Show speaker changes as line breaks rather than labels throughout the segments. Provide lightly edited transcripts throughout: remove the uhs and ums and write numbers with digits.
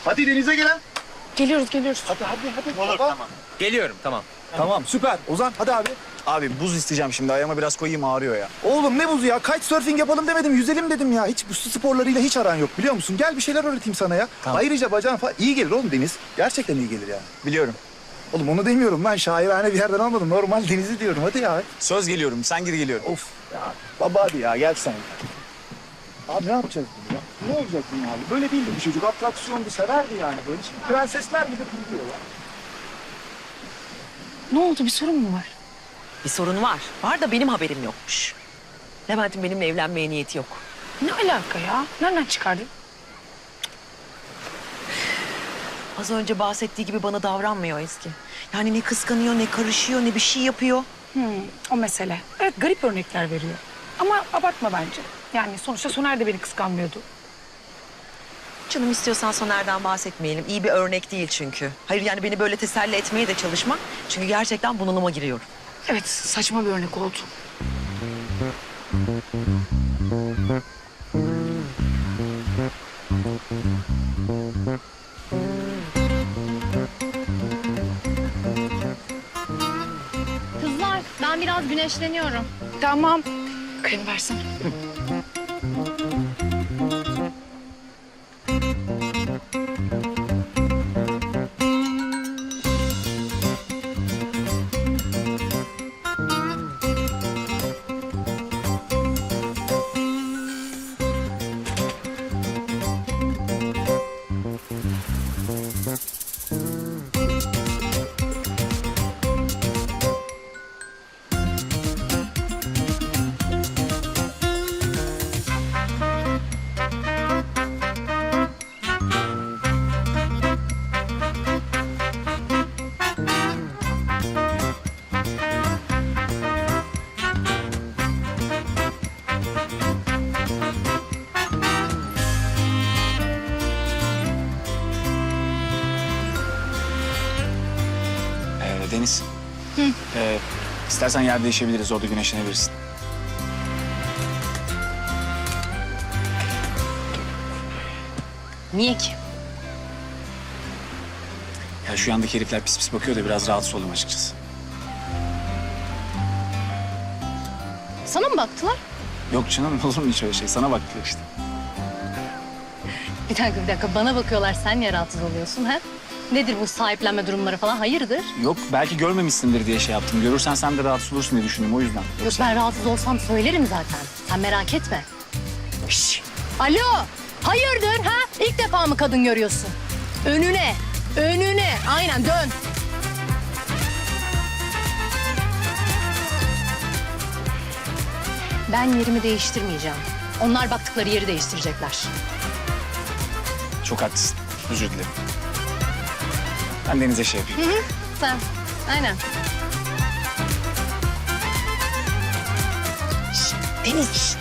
Hadi denize gelen.
Geliyoruz.
Hadi.
Olur, tamam. Geliyorum, tamam.
Tamam süper. Ozan hadi abi.
Abi buz isteyeceğim şimdi. Ayağıma biraz koyayım, ağrıyor ya.
Oğlum ne buzu ya? Kitesurfing yapalım demedim, yüzelim dedim ya. Hiç bu su sporlarıyla hiç aran yok biliyor musun? Gel bir şeyler öğreteyim sana ya.
Tamam.
Ayrıca bacağın falan iyi gelir oğlum deniz. Gerçekten iyi gelir yani.
Biliyorum.
Oğlum onu demiyorum ben şairane bir yerden almadım. Normal denizi diyorum hadi ya.
Söz geliyorum. Sen gir geliyorum.
Of ya. Baba hadi ya gel sen. Abi ne yapacağız bunu ya? Ne olacak bunun abi? Böyle değildi bu çocuk. Atraksiyondu, severdi yani böyle. Şimdi prensesler gibi kırılıyorlar.
Ne oldu, bir sorun mu var?
Bir sorun var. Var da benim haberim yokmuş. Levent'in benimle evlenmeye niyeti yok.
Ne alaka ya? Nereden çıkardın?
Az önce bahsettiği gibi bana davranmıyor Ezgi. Yani ne kıskanıyor, ne karışıyor, ne bir şey yapıyor.
O mesele. Evet, garip örnekler veriyor. Ama abartma bence. Yani sonuçta Soner de beni kıskanmıyordu.
Canım istiyorsan Soner'den bahsetmeyelim. İyi bir örnek değil çünkü. Hayır yani beni böyle teselli etmeye de çalışma. Çünkü gerçekten bunalıma giriyorum.
Evet, saçma bir örnek oldu.
Kızlar, ben biraz güneşleniyorum.
Tamam. Kremi versene.
Deniz. İstersen yer değişebiliriz. Orada güneşlenebilirsin.
Niye ki?
Ya şu yandaki herifler pis pis bakıyor da biraz rahatsız oldum açıkçası.
Sana mı baktılar?
Yok canım, olur mu hiç öyle şey? Sana bakıyor işte.
Bir dakika. Bana bakıyorlar, sen niye rahatsız oluyorsun ha? Nedir bu sahiplenme durumları falan, hayırdır?
Yok, belki görmemişsindir diye şey yaptım. Görürsen sen de rahatsız olursun diye düşündüm, o yüzden.
Yok, ben rahatsız olsam söylerim zaten. Sen merak etme. Şş. Alo, hayırdır ha? İlk defa mı kadın görüyorsun? Önüne. Aynen dön. Ben yerimi değiştirmeyeceğim. Onlar baktıkları yeri değiştirecekler.
Çok haklısın. Özür dilerim. Ben Deniz'e şey yapayım.
Sen, aynen.
Deniz.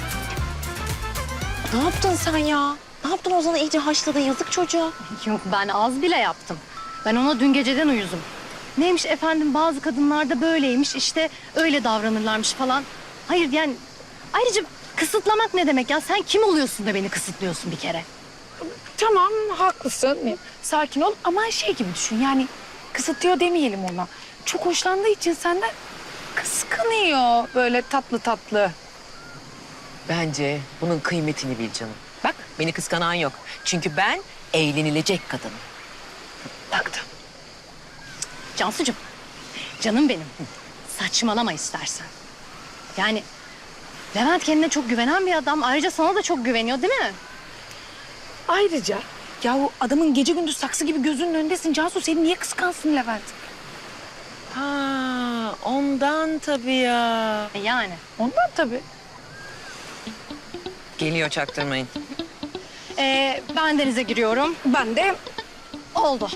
Ne yaptın sen ya? Ne yaptın Ozan'ı iyice haşladın, yazık çocuğa.
Yok, ben az bile yaptım. Ben ona dün geceden uyuzum. Neymiş efendim, bazı kadınlarda böyleymiş, işte öyle davranırlarmış falan. Hayır yani, ayrıca kısıtlamak ne demek ya? Sen kim oluyorsun da beni kısıtlıyorsun bir kere?
Tamam, haklısın. Sakin ol ama şey gibi düşün. Yani kısıtlıyor demeyelim ona. Çok hoşlandığı için senden kıskanıyor. Böyle tatlı tatlı.
Bence bunun kıymetini bil canım. Bak beni kıskanan yok. Çünkü ben eğlenilecek kadınım.
Taktım.
Cansucuğum, canım benim. Saçmalama istersen. Yani Levent kendine çok güvenen bir adam. Ayrıca sana da çok güveniyor, değil mi?
Ayrıca ya o adamın gece gündüz saksı gibi gözünün önündesin. Cansu seni niye kıskansın Levent?
Ha, ondan tabii ya.
Yani.
Ondan tabii.
Geliyor, çaktırmayın.
Ben denize giriyorum.
Ben de
Oldu.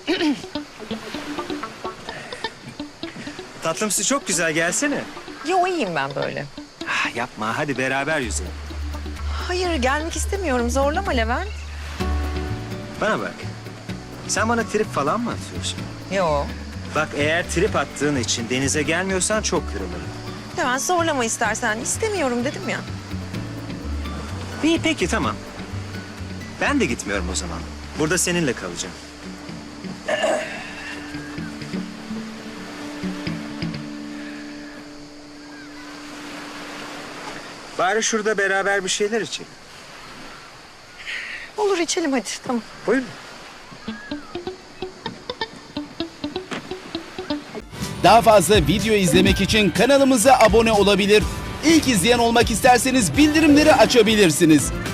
Tatlım su çok güzel, gelsene.
Yo, iyiyim ben böyle.
Ah, yapma, hadi beraber yüzelim.
Hayır, gelmek istemiyorum. Zorlama Levent.
Bana bak. Sen bana trip falan mı atıyorsun?
Yo.
Bak, eğer trip attığın için denize gelmiyorsan çok kırılırım.
Levent zorlama istersen. İstemiyorum dedim ya.
İyi, peki, tamam. Ben de gitmiyorum o zaman. Burada seninle kalacağım. Bari şurada beraber bir şeyler içelim.
Olur içelim hadi tamam.
Buyurun.
Daha fazla video izlemek için kanalımıza abone olabilir. İlk izleyen olmak isterseniz bildirimleri açabilirsiniz.